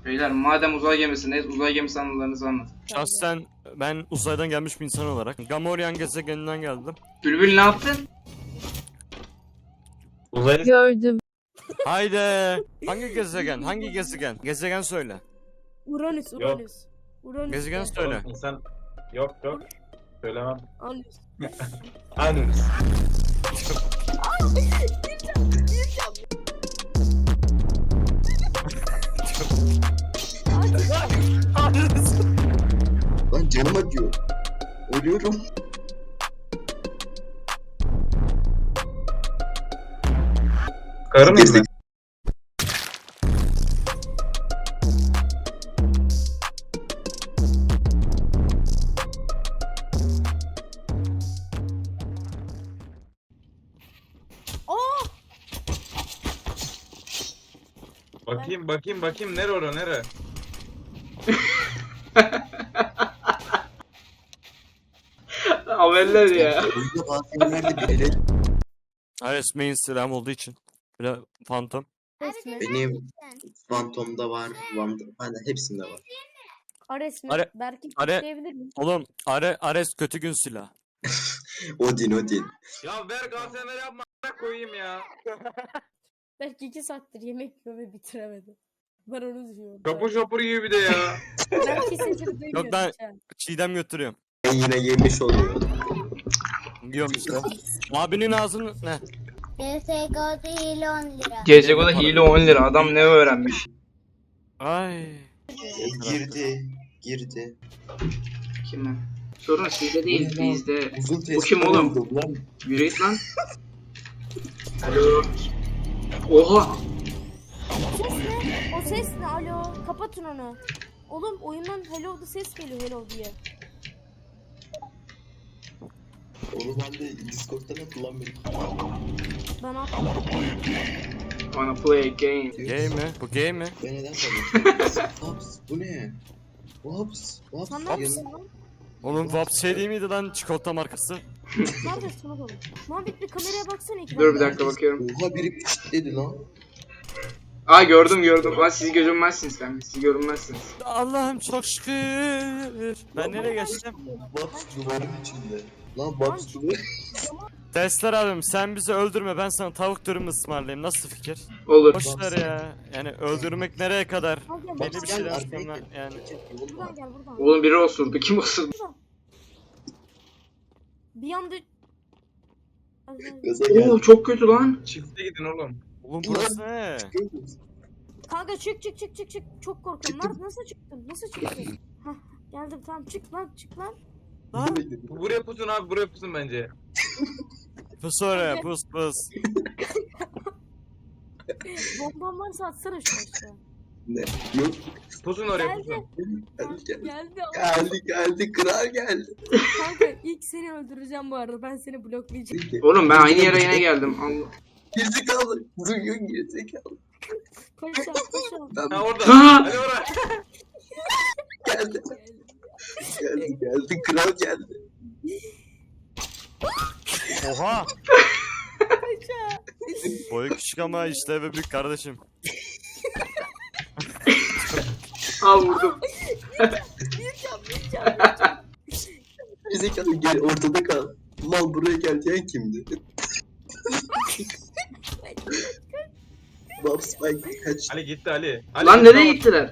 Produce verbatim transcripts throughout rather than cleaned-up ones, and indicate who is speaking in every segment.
Speaker 1: Beyler madem uzay gemisindeyiz, uzay gemisi anılarınızı anlatın.
Speaker 2: Şahsen ben uzaydan gelmiş bir insan olarak Gamorrean gezegeninden geldim.
Speaker 1: Bülbül ne yaptın?
Speaker 3: Uzaylı
Speaker 4: Gördüm.
Speaker 2: Haydi. Hangi gezegen? Hangi gezegen? Gezegen söyle.
Speaker 4: Uranüs, Uranüs. Uranüs.
Speaker 2: Gezegen söyle.
Speaker 3: insan yok yok. Söylemem.
Speaker 4: Uranüs.
Speaker 3: Anus.
Speaker 5: Lan canım acıyor. Ölüyorum.
Speaker 3: Karı mıyım ben? Bakayım bakayım bakayım nere ora nere?
Speaker 1: Haberler ya.
Speaker 5: Oyunda bazı yerlerde birileri
Speaker 2: Ares main silahım olduğu için. Bir de Phantom.
Speaker 4: Ares mi?
Speaker 5: benim Phantom'da var, Van'da, hani hepsinde var.
Speaker 4: Ares mi?
Speaker 2: Are-
Speaker 4: Belki
Speaker 2: Are-
Speaker 4: diyebilir miyim?
Speaker 2: Oğlum Are Ares kötü gün silah.
Speaker 5: Odin, Odin.
Speaker 3: Ya ver Galatasaray yapma a**ına koyayım ya.
Speaker 4: Belki iki saattir yemek yiyor ve bitiremedi. Ben onu diyorum.
Speaker 3: Şapur şapur yiyor bir de ya.
Speaker 4: Belki sesini duymuyorum.
Speaker 2: Yok, ben-
Speaker 4: hiç ha.
Speaker 2: Çiğdem götürüyorum.
Speaker 5: Ben yine yemiş oluyor.
Speaker 2: Yok işte. Abinin ağzını ne?
Speaker 6: C S G O değil on lira.
Speaker 1: C S G O'da hile on lira. Adam ne öğrenmiş?
Speaker 2: Ay.
Speaker 5: Girdi, girdi.
Speaker 1: Kim lan? Sorun sizde değil, bizde.
Speaker 5: Uzun
Speaker 1: Bu kim
Speaker 5: tespih
Speaker 1: oğlum?
Speaker 5: oldum lan.
Speaker 1: Yürü git lan. Alo. Oha.
Speaker 4: O ses ne? O ses ne? Alo. Kapatın onu. Oğlum oyundan hello the ses geliyor hello diye.
Speaker 5: Onu ben de Discord'dan hatırlamıyorum.
Speaker 4: Ben attım.
Speaker 1: Wanna play a game.
Speaker 2: Gay mi? Bu gay mi?
Speaker 5: Ben neden sanıyorum? Hops, bu ne? Hops, Hops.
Speaker 4: Sen ne yapıyorsun lan?
Speaker 2: Oğlum Vaps şey değil miydi lan çikolata markası?
Speaker 4: Ne yapıyorsun oğlum? Muhabbet bir kameraya baksana iki
Speaker 1: Dur bir dakika bakıyorum.
Speaker 5: Oha biri pişt dedi lan.
Speaker 1: Aa gördüm gördüm. Aa siz görünmezsiniz kanka. Siz görünmezsiniz.
Speaker 2: Allah'ım çok şükür. Ben nereye geçtim?
Speaker 5: Hops duvarın içinde. Lan Hops duvarı.
Speaker 2: Testler abim sen bizi öldürme ben sana tavuk dürüm ısmarlayayım nasıl fikir?
Speaker 1: Olur.
Speaker 2: Boşver ya. Yani öldürmek nereye kadar?
Speaker 4: Al gel,
Speaker 2: Belli
Speaker 4: gel,
Speaker 2: bir
Speaker 5: Gel,
Speaker 2: şeyden
Speaker 5: arkaya
Speaker 2: sonra
Speaker 5: gel.
Speaker 2: yani.
Speaker 4: buradan gel buradan.
Speaker 1: Oğlum biri osurdu. Kim osurdu?
Speaker 4: Bir anda...
Speaker 5: Gaza gel.
Speaker 1: Oo çok kötü lan.
Speaker 3: Çifte gidin oğlum.
Speaker 2: Oğlum burası ne?
Speaker 4: Kanka çık çık çık çık çık. Çok korkuyorum. Lan nasıl çıktın? Nasıl çıktın? Hah geldim tamam çık lan çık lan.
Speaker 2: Lan
Speaker 3: Bu buraya pusun abi buraya pusun bence.
Speaker 2: pus oraya pus pus.
Speaker 4: Bomban varsa atsana şu aşağı.
Speaker 5: Ne? Yok.
Speaker 3: Pusun oraya
Speaker 4: Geldi.
Speaker 3: pusun.
Speaker 5: Geldi, geldi.
Speaker 4: Geldi.
Speaker 5: Geldi, geldi. Kral geldi.
Speaker 4: Kanka ilk seni öldüreceğim bu arada. Ben seni bloklayacağım.
Speaker 1: Oğlum ben aynı yere yine geldim. Allah.
Speaker 5: Gerizekalı. Duyuyorsun gerizekalı.
Speaker 4: Koş al koş al.
Speaker 5: Ben
Speaker 3: Ha orada.
Speaker 1: Ha!
Speaker 3: Hadi oraya.
Speaker 5: geldi. Geldi, geldi. Kral geldi.
Speaker 2: Oha. Boyu küçük ama işlevi büyük kardeşim.
Speaker 1: Al vurdum.
Speaker 5: Gerizekalı gel ortada kal. Mal buraya gel diyen kimdi? Bob Spike kaç.
Speaker 3: Ali gitti Ali. Ali
Speaker 1: Lan
Speaker 3: gitti
Speaker 1: nereye
Speaker 3: ama-
Speaker 1: gittiler?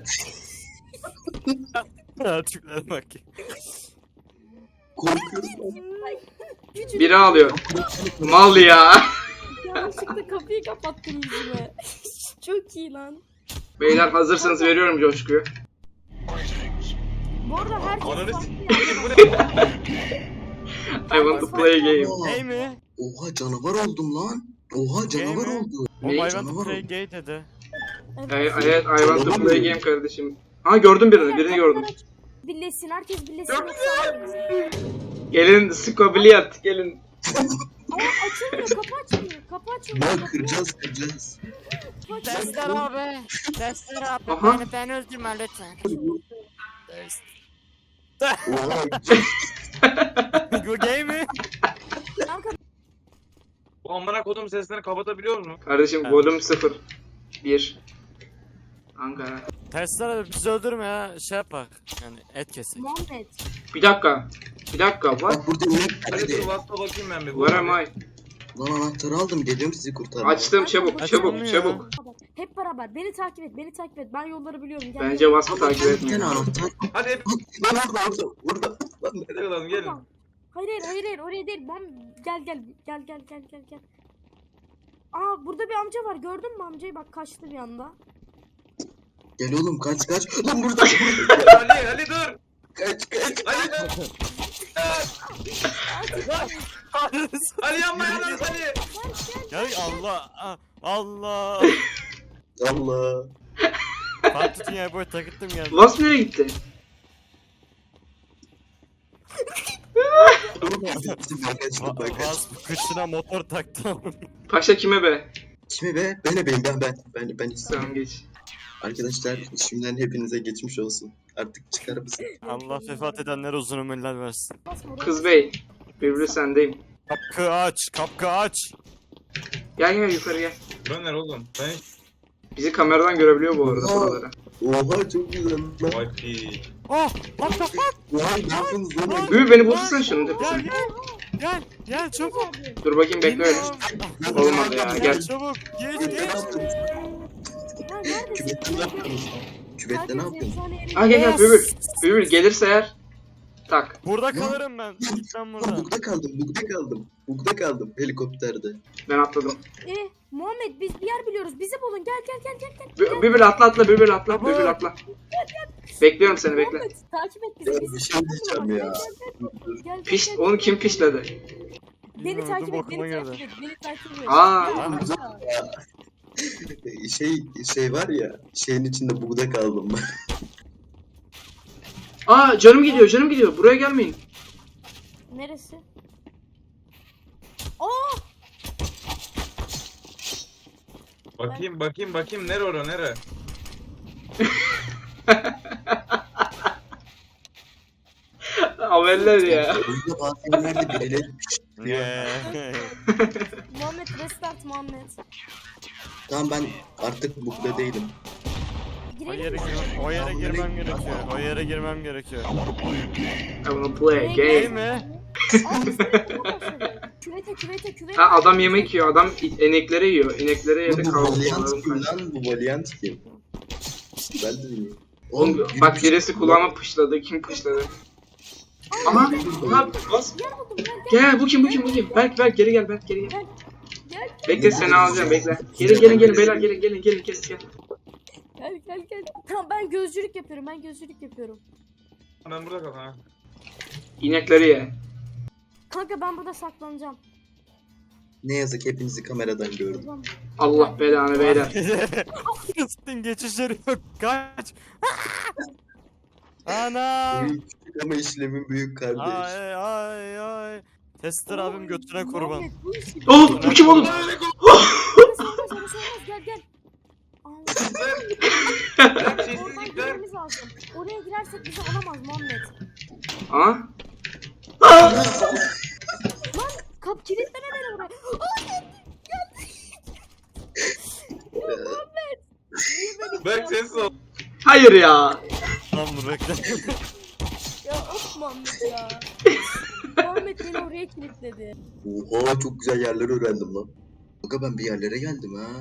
Speaker 2: Tipler bak.
Speaker 5: Korkuyorum lan.
Speaker 4: Küçücük
Speaker 1: Biri alıyor. Mal ya.
Speaker 4: yanlışlıkla kapıyı kapattın yüzüme. Çok iyi lan.
Speaker 1: Beyler hazırsanız veriyorum coşkuyu.
Speaker 4: Bu arada herkes
Speaker 3: Ananı
Speaker 4: farklı
Speaker 3: s***.
Speaker 4: yerde
Speaker 3: Bu
Speaker 4: bak.
Speaker 3: ne?
Speaker 1: I want to play a game.
Speaker 5: Oha,
Speaker 2: Gay mi?
Speaker 5: oha canavar oldum lan. Oha canavar
Speaker 2: mi?
Speaker 5: oldu.
Speaker 2: O
Speaker 1: Ne?
Speaker 2: I want to
Speaker 5: Canavar
Speaker 2: play
Speaker 5: oldu.
Speaker 2: gay dedi.
Speaker 1: Evet, evet, I want to play a game kardeşim. Aa gördüm birini, birini gördüm.
Speaker 4: Birleşsin herkes birleşsin.
Speaker 3: Yok.
Speaker 4: yoksa-
Speaker 1: Gelin skobiliyat, gelin.
Speaker 4: Ama açılmıyor kapı açılmıyor. Kapı açılmıyor.
Speaker 5: Lan
Speaker 4: kapı-
Speaker 5: kıracağız kıracağız.
Speaker 4: kapı açılmıyor.
Speaker 7: Testler abi. Testler abi.
Speaker 1: Aha.
Speaker 7: Beni, beni öldürme lütfen.
Speaker 5: Oha
Speaker 2: Bu gay mi?
Speaker 4: Kanka
Speaker 3: Bu amına kodum seslerini kapatabiliyor musun?
Speaker 1: Kardeşim
Speaker 2: Evet.
Speaker 1: volüm sıfır. bir. Ankara.
Speaker 2: Testere abi bizi öldürme ya. Şey yap bak. Yani et kesek.
Speaker 4: Muhammed.
Speaker 1: Bir dakika. Bir dakika var.
Speaker 5: Bak burada inek var
Speaker 3: Ali dur
Speaker 5: hadi.
Speaker 3: Vasf'a bakayım ben bir.
Speaker 1: Where am I?
Speaker 5: Lan anahtarı aldım geliyorum sizi kurtarmaya.
Speaker 1: Açtım çabuk
Speaker 2: Açılmıyor
Speaker 1: çabuk
Speaker 2: ya.
Speaker 1: çabuk.
Speaker 4: Hep beraber. Beni takip et. Beni takip et. Ben yolları biliyorum. Gel,
Speaker 1: Bence
Speaker 4: gel.
Speaker 1: Vasf'ı takip
Speaker 5: Bir tane
Speaker 1: etmeyin.
Speaker 5: anahtar.
Speaker 3: Hadi hep
Speaker 5: Lan orada orada orada. Lan
Speaker 3: nereye kalalım gelin.
Speaker 4: Tamam. Hayır hayır hayır hayır oraya değil. Mom gel gel gel gel gel gel gel. Aa burada bir amca var. Gördün mü amcayı? Bak kaçtı bir anda.
Speaker 5: gel oğlum kaç kaç. Lan burada.
Speaker 3: Ali Ali dur.
Speaker 5: Kaç kaç.
Speaker 3: Ali dur. Ali yanma yanma Ali.
Speaker 2: Gel Allah. ah, Allah.
Speaker 5: Allah.
Speaker 2: Fatih dünyayı boy takıttım geldi.
Speaker 1: Vasf nereye gitti?
Speaker 5: Bizim arkadaşlar bak.
Speaker 2: Vaz kışına motor taktım.
Speaker 1: Paşa kime be?
Speaker 5: Kimi be? Ben beyim ben ben. Ben ben istiyorum.
Speaker 1: Tamam geç.
Speaker 5: Arkadaşlar şimdiden hepinize geçmiş olsun. Artık çıkar mısın?
Speaker 2: Allah vefat edenlere uzun ömürler versin.
Speaker 1: Kız bey. Birbiri sendeyim.
Speaker 2: Kapkı aç, kapkı aç.
Speaker 1: Gel gel yukarı gel.
Speaker 3: Döner oğlum. Ben hiç.
Speaker 1: Bizi kameradan görebiliyor bu arada
Speaker 5: Aa.
Speaker 1: buraları.
Speaker 5: Oha çok güzel lan.
Speaker 3: Vay pi.
Speaker 2: Oh, what the fuck?
Speaker 5: Oha ne yapıyorsunuz lan?
Speaker 1: Büyü beni bulsana şunun
Speaker 2: Gel
Speaker 1: tepesine.
Speaker 2: gel. Gel, gel çabuk.
Speaker 1: Dur bakayım bekle öyle.
Speaker 2: Bilmiyorum.
Speaker 1: Olmadı ya
Speaker 2: Gel
Speaker 1: gel.
Speaker 2: çabuk. Geç
Speaker 5: Ne
Speaker 2: geç.
Speaker 5: yaptınız?
Speaker 4: Ya neredesin?
Speaker 5: Küvette ne yaptınız? Küvette ne yaptınız?
Speaker 1: Aa gel gel Bülbül. Bülbül gelirse eğer. Tak.
Speaker 2: Burada kalırım ben. Git lan
Speaker 5: Lan
Speaker 2: buradan.
Speaker 5: bugda kaldım, bugda kaldım. Bugda kaldım helikopterde.
Speaker 1: Ben atladım.
Speaker 4: Eh Muhammed biz bir yer biliyoruz. Bizi bulun. Gel gel gel gel gel.
Speaker 1: Bü- Bülbül atla atla Bülbül atla. Bülbül atla. Bekliyorum seni bekle.
Speaker 4: Muhammed takip et bizi.
Speaker 5: Ya
Speaker 4: bizi
Speaker 5: bir şey diyeceğim ya.
Speaker 4: Gel, gel, gel,
Speaker 1: Piş,
Speaker 4: gel.
Speaker 1: onu kim pişledi?
Speaker 4: Beni
Speaker 2: Bilmiyorum,
Speaker 4: takip et.
Speaker 2: bokuma
Speaker 4: Beni
Speaker 2: girdi.
Speaker 4: takip et. Beni takip et.
Speaker 1: Aa.
Speaker 4: Gel.
Speaker 5: Şey şey var ya, şeyin içinde bugda kaldım ben.
Speaker 1: Aa canım gidiyor canım gidiyor. Buraya gelmeyin.
Speaker 4: Neresi? Aa!
Speaker 3: Bakayım bakayım bakayım nere ora nere?
Speaker 1: Haberler ya.
Speaker 5: Oyunda bazı yerlerde birileri
Speaker 2: Yeah.
Speaker 4: Muhammed restart Muhammed.
Speaker 5: Tamam ben artık bugda değilim.
Speaker 2: O yere,
Speaker 4: Girelim mi?
Speaker 2: gir- o yere girmem gerekiyor. O yere girmem gerekiyor.
Speaker 1: I wanna play a
Speaker 2: Değil
Speaker 1: game.
Speaker 2: mi?
Speaker 4: Aa, biz de başladık. Küvete küvete küvete.
Speaker 1: Ha adam yemek yiyor. Adam inekleri yiyor. İneklere yedi
Speaker 5: Bu
Speaker 1: kaldı.
Speaker 5: Valiant kim lan? Bu Valiant kim? Ben de bilmiyorum.
Speaker 1: Oğlum
Speaker 5: biri
Speaker 1: bak
Speaker 5: bir şey-
Speaker 1: birisi kulağıma pışladı. Kim pışladı? Aha. Aha bas.
Speaker 4: Gel buldum gel gel.
Speaker 1: Gel bu kim bu kim bu kim? Berk Berk geri gel Berk geri gel.
Speaker 4: Gel. Gel
Speaker 1: Bekle seni alacağım bekle. Gelin gelin gelin beyler gelin gelin gelin gelin gelin.
Speaker 4: gel gel gel. Tamam ben gözcülük yapıyorum. Ben gözcülük yapıyorum.
Speaker 3: Ben burada kal ha.
Speaker 1: İnekleri ye.
Speaker 4: Kanka ben burada saklanacağım.
Speaker 5: Ne yazık hepinizi kameradan gördüm.
Speaker 4: Tamam.
Speaker 1: Allah belanı beyler.
Speaker 2: Kıstın geçişleri yok. Kaç. Ana.
Speaker 5: Küçük ama işlemin büyük kardeş.
Speaker 2: Ay ay ay. Tester abim götüne kurban.
Speaker 4: Muhammed, bu işi-
Speaker 1: Oh bu kim oğlum?
Speaker 4: Orası olmaz, orası olmaz. Gel gel. Allah.
Speaker 3: Ben
Speaker 4: Oradan
Speaker 3: sessizlikler.
Speaker 4: girmemiz lazım. Oraya girersek bizi alamaz Muhammed.
Speaker 1: Aa.
Speaker 4: Kap kilitleme beni oraya. Aa, geldi. Geldi. Ya Muhammed. Niye beni
Speaker 3: Berk sessiz ol.
Speaker 1: Hayır ya.
Speaker 2: Lan bu bekle.
Speaker 4: Ya of Muhammed ya. Muhammed beni oraya kilitledi.
Speaker 5: Oha çok güzel yerler öğrendim lan. Aga ben bir yerlere geldim ha.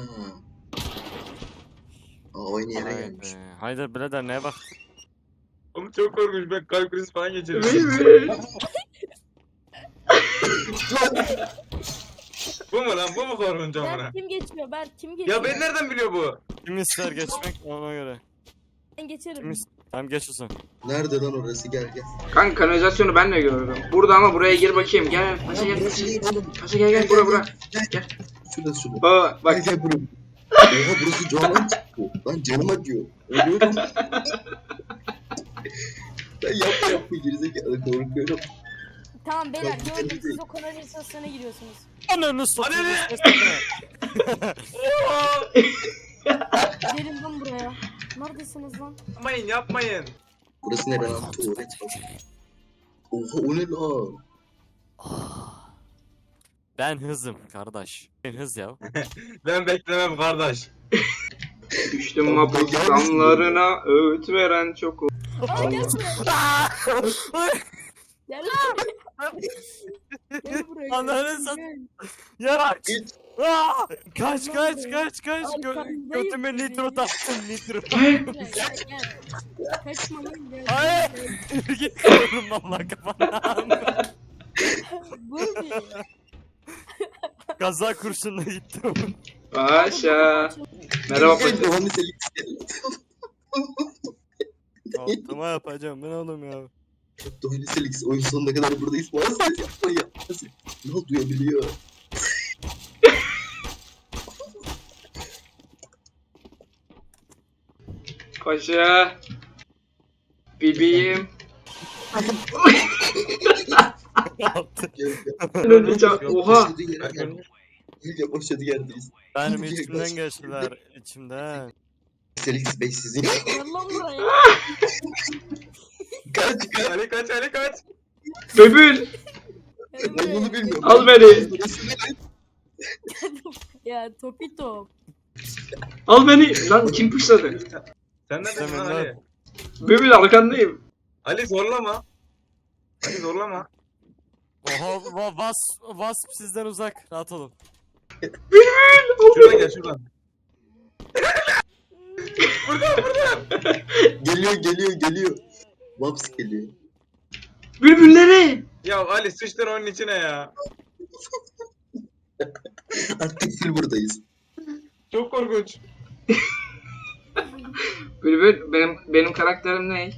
Speaker 5: Aa, aynı yere
Speaker 2: Vay
Speaker 5: gelmiş.
Speaker 2: be. Haydi birader neye bak.
Speaker 3: Oğlum çok korkunç ben kalp krizi falan geçirdim.
Speaker 1: Bülbül.
Speaker 3: Bu mu lan bu mu korkunç amına?
Speaker 4: Berk kim geçmiyor? Berk kim geçiyor?
Speaker 3: Ya ben nereden biliyor bu?
Speaker 2: Kim ister geçmek ona göre.
Speaker 4: Ben
Speaker 2: Kim
Speaker 4: geçerim.
Speaker 2: ister? Tamam geç o zaman.
Speaker 5: Nerede lan orası gel gel.
Speaker 1: Kanka kanalizasyonu ben de gördüm. Burada ama buraya gir bakayım. Gel Paşa gel
Speaker 5: Burası
Speaker 1: Paşa.
Speaker 5: değil oğlum.
Speaker 1: Paşa gel gel bura bura. Gel.
Speaker 5: Şurada şurada.
Speaker 1: Baba bak.
Speaker 5: Gel gel buraya. Oha burası canım çıktı. Lan canım acıyor. Ölüyorum. Ben yapma yapma gerizekalı korkuyorum.
Speaker 4: Tamam beyler
Speaker 5: Bak,
Speaker 4: gördüm
Speaker 5: değil.
Speaker 4: siz o kanalizasyona giriyorsunuz.
Speaker 2: Ananı satayım.
Speaker 3: Ananı!
Speaker 4: Gelin lan buraya. Neredesiniz lan?
Speaker 3: Yapmayın yapmayın.
Speaker 5: Burası nere lan? Tuvalet. Oha o ne lan?
Speaker 2: Ben hızım kardeş. Ben hız ya.
Speaker 3: Ben beklemem kardeş.
Speaker 1: Düştüm mapus damlarına öğüt veren çok oldu.
Speaker 4: Aa gel buraya. Gel buraya. Gel buraya.
Speaker 2: Ananı
Speaker 4: gel.
Speaker 2: sat- Ya
Speaker 5: Git.
Speaker 2: Aa! Kaç kaç kaç kaç Gö
Speaker 4: Arkandayım.
Speaker 2: götüme nitro taktım nitro.
Speaker 4: Gel, gel, gel. Kaçma lan gel.
Speaker 2: Hayır.
Speaker 4: Gel.
Speaker 2: Git kırarım valla kafana.
Speaker 4: Bu ne?
Speaker 2: Gaza kurşunla gittim.
Speaker 1: Paşa. Merhaba
Speaker 5: Gel,
Speaker 1: paşa.
Speaker 5: Doğan'ı selik.
Speaker 2: Altıma yapacağım ben oğlum ya.
Speaker 5: Doğan'ı selik. Oyun sonuna kadar buradayız. Bana ses yapma ya. Ne oldu duyabiliyor.
Speaker 1: Paşa. Bebeğim.
Speaker 2: Yaptı.
Speaker 5: Gel gel.
Speaker 1: Öleceğim. Oha.
Speaker 5: Başladığı yere gel. Gel gel başladığı yerdeyiz.
Speaker 2: Benim
Speaker 5: Gel,
Speaker 2: içimden
Speaker 5: gel.
Speaker 2: geçtiler içimden.
Speaker 5: Felix Bey sizin.
Speaker 4: Gel lan buraya.
Speaker 5: Kaç kaç.
Speaker 3: Ali kaç Ali kaç.
Speaker 1: Bebül.
Speaker 4: Gel
Speaker 5: Ben
Speaker 4: buraya.
Speaker 5: bunu bilmiyorum.
Speaker 1: Al beni.
Speaker 4: Ya topi top.
Speaker 1: Al beni. Lan kim pışladı?
Speaker 3: Sen neredesin
Speaker 2: Sen
Speaker 3: lan
Speaker 2: ben-
Speaker 3: Ali?
Speaker 1: Bebül arkandayım.
Speaker 3: Ali zorlama. Ali zorlama.
Speaker 2: Oha va vas wasp sizden uzak rahat olun.
Speaker 3: Şuradan gel şuradan.
Speaker 5: Geliyor geliyor geliyor. Vaps geliyor.
Speaker 1: Bülbülleri.
Speaker 3: Ya Ali sıçtın onun içine ya.
Speaker 5: Artık full buradayız.
Speaker 3: Çok korkunç.
Speaker 1: Bülbül benim benim karakterim ne?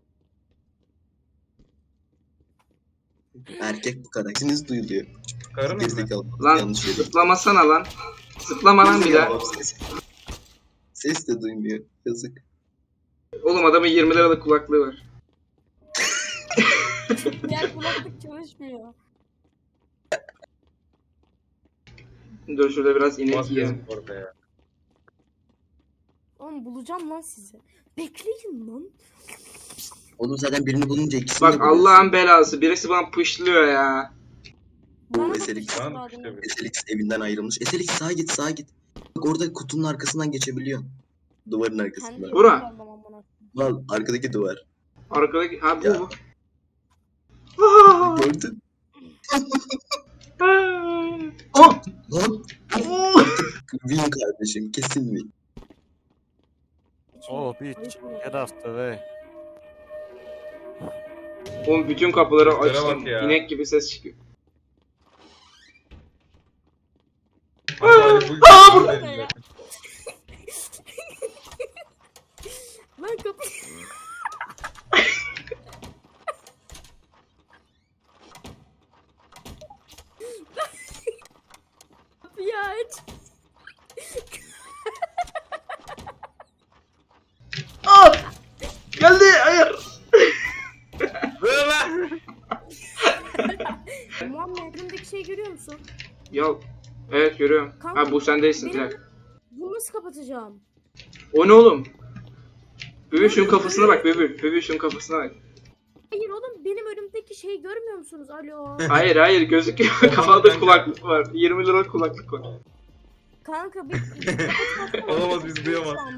Speaker 5: Erkek bu kadar. Sesiniz duyuluyor.
Speaker 3: Karın mı?
Speaker 5: Gerizekalı.
Speaker 1: Lan
Speaker 5: Yanlış yere.
Speaker 1: zıplamasana lan. Zıplama lan bir daha.
Speaker 5: Vaps ses. Ses de duymuyor. Yazık.
Speaker 1: Oğlum adamın yirmi liralık kulaklığı var.
Speaker 4: Gel kulaklık çalışmıyor.
Speaker 1: Dur şurada biraz inek
Speaker 3: Bas
Speaker 1: yiyelim.
Speaker 3: yazık orada ya.
Speaker 4: Oğlum bulacağım lan sizi. Bekleyin lan.
Speaker 5: Oğlum zaten birini bulunca ikisini de
Speaker 1: Bak
Speaker 5: buluyorsun.
Speaker 1: Allah'ın belası. Birisi bana pışlıyor ya.
Speaker 4: Bana da
Speaker 5: Eselik.
Speaker 4: bir şey
Speaker 3: Lan
Speaker 4: lazım.
Speaker 3: işte bir.
Speaker 5: Eselix evinden ayrılmış. Eselix sağa git sağa git. Bak orada kutunun arkasından geçebiliyor. Duvarın arkasından.
Speaker 4: Kendi
Speaker 1: Bura.
Speaker 4: yolum var lan bana.
Speaker 5: Al arkadaki duvar.
Speaker 1: Arkadaki... Ha bu
Speaker 5: Ya.
Speaker 1: bu. Aa!
Speaker 5: Gördün.
Speaker 1: Oh!
Speaker 5: Lan
Speaker 1: Oh!
Speaker 5: win kardeşim kesin win.
Speaker 2: Oh bitch get off the way.
Speaker 1: Oğlum bütün kapıları
Speaker 3: Seslere
Speaker 1: açtım.
Speaker 3: bak ya.
Speaker 1: İnek gibi ses çıkıyor.
Speaker 3: Ali bu
Speaker 1: Aa,
Speaker 3: bu-
Speaker 4: burada ya. Ben kapı... Kapıyı aç.
Speaker 1: Aa! Geldi! Hayır!
Speaker 3: Ver lan.
Speaker 4: Muhammed elimdeki şeyi görüyor musun?
Speaker 1: Ya evet görüyorum.
Speaker 4: Kanka,
Speaker 1: Ha bu sen değilsin
Speaker 4: benim-
Speaker 1: Dilek.
Speaker 4: Bunu nasıl kapatacağım?
Speaker 1: O ne oğlum? Bebül şunun kafasına bak Bebül. Bebül şunun kafasına bak.
Speaker 4: Hayır oğlum benim önümdeki şeyi görmüyor musunuz? Alo.
Speaker 1: Hayır hayır gözüküyor. Kafada kulaklık var. yirmi liralık kulaklık var.
Speaker 4: Kanka bir...
Speaker 3: Olamaz, biz duyamaz.